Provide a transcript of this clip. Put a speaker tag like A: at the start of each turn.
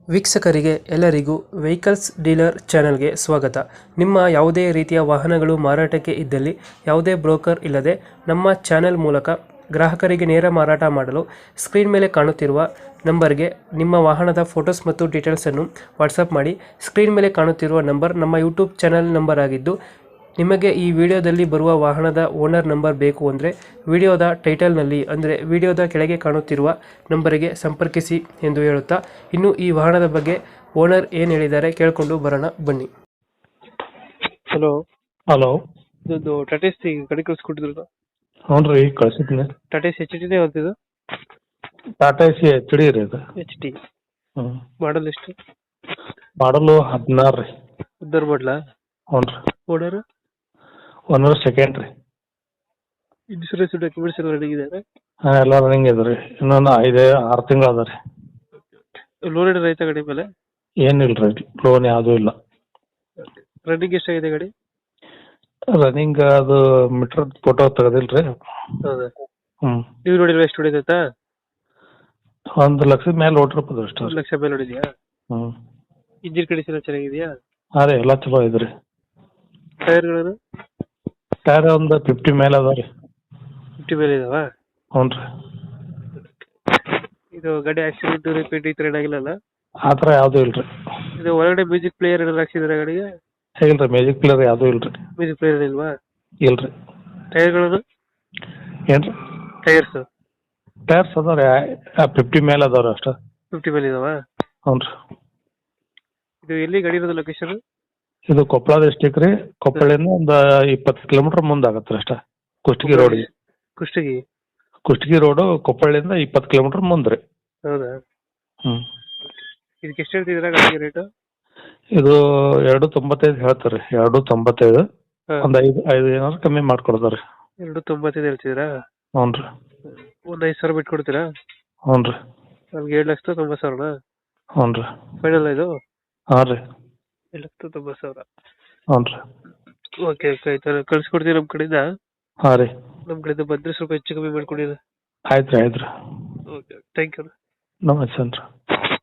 A: ವೀಕ್ಷಕರಿಗೆ ಎಲ್ಲರಿಗೂ vehicles dealer ಚಾನೆಲ್ಗೆ ಸ್ವಾಗತ. ನಿಮ್ಮ ಯಾವುದೇ ರೀತಿಯ ವಾಹನಗಳು ಮಾರಾಟಕ್ಕೆ ಇದ್ದಲ್ಲಿ ಯಾವುದೇ ಬ್ರೋಕರ್ ಇಲ್ಲದೆ ನಮ್ಮ ಚಾನೆಲ್ ಮೂಲಕ ಗ್ರಾಹಕರಿಗೆ ನೇರ ಮಾರಾಟ ಮಾಡಲು ಸ್ಕ್ರೀನ್ ಮೇಲೆ ಕಾಣುತ್ತಿರುವ ನಂಬರ್ಗೆ ನಿಮ್ಮ ವಾಹನದ ಫೋಟೋಸ್ ಮತ್ತು ಡೀಟೇಲ್ಸನ್ನು ವಾಟ್ಸಪ್ ಮಾಡಿ. ಸ್ಕ್ರೀನ್ ಮೇಲೆ ಕಾಣುತ್ತಿರುವ ನಂಬರ್ ನಮ್ಮ ಯೂಟ್ಯೂಬ್ ಚಾನೆಲ್ ನಂಬರ್ ಆಗಿದ್ದು, ನಿಮಗೆ ಈ ವಿಡಿಯೋದಲ್ಲಿ ಬರುವ ವಾಹನದ ಓನರ್ ನಂಬರ್ ಬೇಕು ಅಂದರೆ ವಿಡಿಯೋದ ಟೈಟಲ್ನಲ್ಲಿ ಅಂದರೆ ವಿಡಿಯೋದ ಕೆಳಗೆ ಕಾಣುತ್ತಿರುವ ನಂಬರಿಗೆ ಸಂಪರ್ಕಿಸಿ ಎಂದು ಹೇಳುತ್ತಾ, ಇನ್ನು ಈ ವಾಹನದ ಬಗ್ಗೆ ಓನರ್ ಏನು ಹೇಳಿದ್ದಾರೆ ಕೇಳಿಕೊಂಡು ಬರೋಣ ಬನ್ನಿ. Hello
B: hello.
A: ಇದೊಂದು ಟಾಟಾ ಸಿ ಗಾಡಿ ಕಳಿಸ್ಕೊಟ್ಟಿದ್ರು.
B: ಹ್ಞೂ ರೀ, ಕಳ್ಸಿದ್ನಿ.
A: ಟಾಟಾ ಸಿ ಎಚ್ ಟಿನೇ ಹೊಂದಿದ್ದು.
B: ಟಾಟಾ ಸಿ ಎಚ್ ಡಿ ರೀ ಇದು.
A: ಎಚ್ ಟಿ
B: ಹ್ಞೂ.
A: ಮಾಡಲ್ ಎಷ್ಟು?
B: ಮಾಡಲು 16 ರೀ.
A: ಉದ್ದರ್ ಮಾಡಲ.
B: ಹ್ಞೂ ರೀ.
A: ಓನರ್
B: ಓನರ್ ಸೆಕೆಂಡ್ ರೀ.
A: ಇನ್ಶೂರೆನ್ಸ್ ಡಾಕ್ಯುಮೆಂಟ್ಸ್ ಎಲ್ಲ ರೆಡಿ ಇದೆ?
B: ಹಾಂ, ಎಲ್ಲ ರನ್ನಿಂಗ್ ಇದೆ ರೀ. ಇನ್ನೊಂದು 5-6 ತಿಂಗಳು ಅದ ರೀ.
A: ಲೋನ್ ಏನಾರ ಐತಾ ಗಾಡಿ ಮೇಲೆ?
B: ಏನಿಲ್ಲ ರೀ, ಲೋನ್ ಯಾವುದೂ ಇಲ್ಲ.
A: ರನ್ನಿಂಗ್ ಎಷ್ಟಾಗಿದೆ ಗಾಡಿ?
B: ರನ್ನಿಂಗ್ ಅದು ಮೀಟ್ರ್ ಫೋಟೋ ತೆಗೆದಿಲ್ಲ ರೀ.
A: ಹೌದಾ?
B: ಹ್ಞೂ.
A: ನೀವು ನೋಡಿಲ್ವಾ ಎಷ್ಟು ಹೊಡಿತೈತಾ?
B: 1 ಲಕ್ಷದ ಮೇಲೆ ಓಟಿರ್ಬೋದು ಅಷ್ಟು.
A: 1 ಲಕ್ಷ ಮೇಲೆ ಹೊಡಿದ್ಯಾ?
B: ಹ್ಞೂ.
A: ಇಂಜಿನ್ ಕಂಡೀಷನ್ ಎಲ್ಲ ಚೆನ್ನಾಗಿದೆಯಾ?
B: ಹಾಂ ರೀ, ಎಲ್ಲ ಚಲೋ ಇದೆ ರೀ.
A: ಟೈರ್ಗಳನ್ನು
B: ಟೈರ್ ಒಂದು 50 ಮೇಲೆ ಅದ ರೀ.
A: 50 ಮೇಲೆ ಇದಾವ?
B: ಹ್ಞೂ ರೀ.
A: ಇದು ಗಾಡಿ ಆಕ್ಸಿಡೆಂಟ್ ರಿಪೇಟ್ ಈ ಥರ ಏನಾಗಿಲ್ಲಲ್ಲ?
B: ಆ ಥರ ಯಾವುದೂ ಇಲ್ಲ ರೀ.
A: ಇದು ಒಳಗಡೆ ಮ್ಯೂಸಿಕ್ ಪ್ಲೇಯರ್ ಏನಾರು ಹಾಕ್ಸಿದ್ರೆ ಗಾಡಿಗೆ?
B: ಇಲ್ಲ ರೀ, ಮ್ಯಾಜಿಕ್ ಪ್ಲೇಯರ್ ಯಾವುದೂ ಇಲ್ಲ ರೀ.
A: ಮ್ಯೂಸಿಕ್ ಪ್ಲೇಯರ್ ಇಲ್ವಾ?
B: ಇಲ್ಲ ರೀ.
A: ಟೈರ್ಗಳನ್ನು?
B: ಏನು ರೀ?
A: ಟೈರ್ಸ್
B: ಟೈರ್ಸ್ ಅದಾವ ರೀ, 50 ಮೇಲೆ ಅದಾವ ರೀ ಅಷ್ಟು.
A: 50 ಮೇಲೆ ಇದಾವ?
B: ಹ್ಞೂ ರೀ.
A: ಇದು ಎಲ್ಲಿ ಗಾಡಿ ಇರೋದು ಲೊಕೇಶನ್?
B: ಇದು ಕೊಪ್ಪಳ ಡಿಸ್ಟಿಕ್ ರೀ. ಕೊಪ್ಪಳಿಂದ ಒಂದು 20 ಕಿಲೋಮೀಟರ್ ಮುಂದೆ ಆಗತ್ತೆ ರೀ ಅಷ್ಟೇ. ಕುಷ್ಟಗಿ ರೋಡಿಗೆ.
A: ಕುಷ್ಟಗಿ?
B: ಕುಷ್ಟಗಿ ರೋಡು ಕೊಪ್ಪಳಿಂದ 20 ಕಿಲೋಮೀಟರ್ ಮುಂದೆ ರೀ.
A: ಹೌದಾ?
B: ಹ್ಞೂ.
A: ಇದಕ್ಕೆ ಎಷ್ಟು ಹೇಳ್ತಿದ್ದೀರಾ ಗಾಡಿಗೆ ರೇಟು?
B: ಇದು 2.95 ಹೇಳ್ತಾರೆ ರೀ. 2.95. ಒಂದು 5 ಏನಾದ್ರು ಕಮ್ಮಿ ಮಾಡ್ಕೊಡ್ತಾರೆ ರೀ.
A: 2.95 ಹೇಳ್ತಿದ್ದೀರಾ?
B: ಹ್ಞೂ ರೀ.
A: ಒಂದು 5,000 ಬಿಟ್ಟು ಕೊಡ್ತೀರಾ?
B: ಹ್ಞೂ ರೀ.
A: ನಮ್ಗೆ 7,90,000?
B: ಹ್ಞೂ ರೀ.
A: ಫೈನಲ್ ಇದು?
B: ಹಾಂ ರೀ.
A: 7,90,000.
B: ಹ್ಞೂ ರೀ.
A: ಓಕೆ ಓಕೆ, ಆಯ್ತು ಕಳ್ಸಿಕೊಡ್ತೀವಿ ನಮ್ಮ ಕಡೆಯಿಂದ.
B: ಹಾಂ ರೀ.
A: ನಮ್ಮ ಕಡೆಯಿಂದ ಬಂದರೆ ಸ್ವಲ್ಪ ಹೆಚ್ಚು ಕಮ್ಮಿ ಮಾಡಿಕೊಡಿ.
B: ಆಯ್ತು ರೀ, ಆಯ್ತು ರೀ.
A: Okay, thank you.
B: ನಮಸ್ತೆ ರೀ.